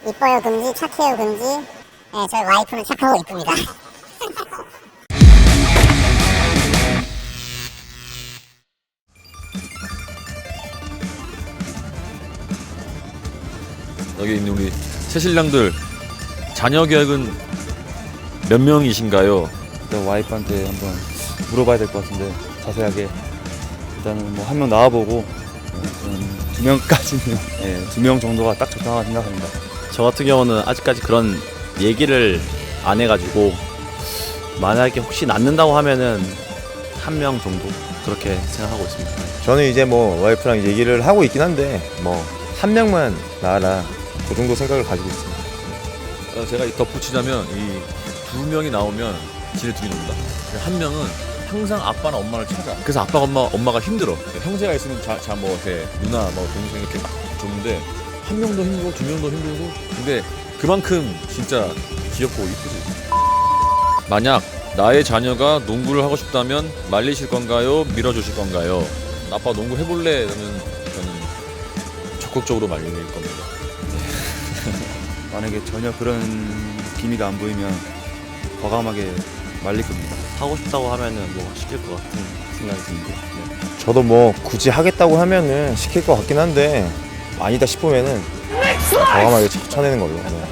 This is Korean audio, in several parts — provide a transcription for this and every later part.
이뻐요 금지, 착해요 금지. 네, 저희 와이프는 착하고 이쁩니다. 여기 있는 우리 새신랑들 자녀 계획은 몇 명이신가요? 일단 와이프한테 한번 물어봐야 될 것 같은데 자세하게 일단은 뭐 한 명 나와보고 두 명까지는 두 명 정도가 딱 적당하다 생각합니다. 저 같은 경우는 아직까지 그런 얘기를 안 해가지고 만약에 혹시 낳는다고 하면은 한 명 정도 그렇게 생각하고 있습니다. 저는 이제 뭐 와이프랑 얘기를 하고 있긴 한데 뭐 한 명만 낳아라 그 정도 생각을 가지고 있습니다. 제가 덧붙이자면 이 두 명이 나오면 지네둘이 놉니다. 한 명은 항상 아빠나 엄마를 찾아. 그래서 아빠 엄마가 힘들어. 형제가 있으면 뭐 이렇게 누나 뭐 동생 이렇게 막 좋은데 한 명도 힘들고 두 명도 힘들고. 근데 그만큼 진짜 귀엽고 이쁘지. 만약 나의 자녀가 농구를 하고 싶다면 말리실 건가요? 밀어주실 건가요? 아빠 농구 해볼래? 그러면 저는 적극적으로 말릴 겁니다. 만약에 전혀 그런 기미가 안 보이면 과감하게 말릴 겁니다. 하고 싶다고 하면은 뭐 시킬 것 같은 생각이 듭니다. 네. 저도 뭐 굳이 하겠다고 하면은 시킬 것 같긴 한데 아니다 싶으면은 과감하게 쳐내는 걸로. 네.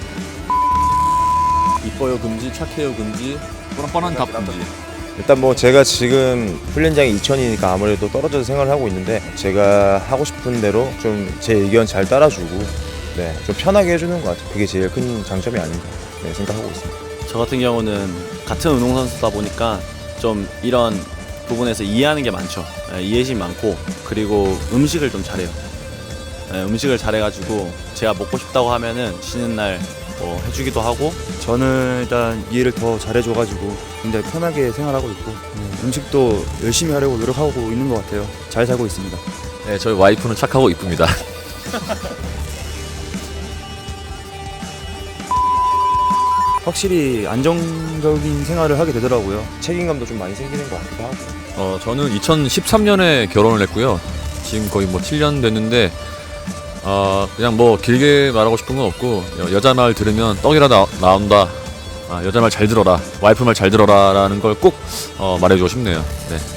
이뻐요 금지, 착해요 금지, 뻔한 답 금지. 일단 뭐 제가 지금 훈련장이 이천이니까 아무래도 떨어져서 생활을 하고 있는데 제가 하고 싶은 대로 좀 제 의견 잘 따라주고 네, 좀 편하게 해주는 것 같아요. 그게 제일 큰 장점이 아닌가 생각하고 있습니다. 저 같은 경우는 같은 운동선수다 보니까 좀 이런 부분에서 이해하는 게 많죠. 이해심이 많고 그리고 음식을 좀 잘해요. 음식을 잘해가지고 제가 먹고 싶다고 하면은 쉬는 날 뭐 해주기도 하고. 저는 일단 이해를 더 잘해줘가지고 굉장히 편하게 생활하고 있고 음식도 열심히 하려고 노력하고 있는 것 같아요. 잘 살고 있습니다. 네, 저희 와이프는 착하고 이쁩니다. 확실히 안정적인 생활을 하게 되더라고요. 책임감도 좀 많이 생기는 것 같기도 하고. 저는 2013년에 결혼을 했고요. 지금 거의 뭐 7년 됐는데 그냥 뭐 길게 말하고 싶은 건 없고 여자 말 들으면 떡이라 나온다. 여자 말 잘 들어라. 와이프 말 잘 들어라 라는 걸 꼭 말해주고 싶네요. 네.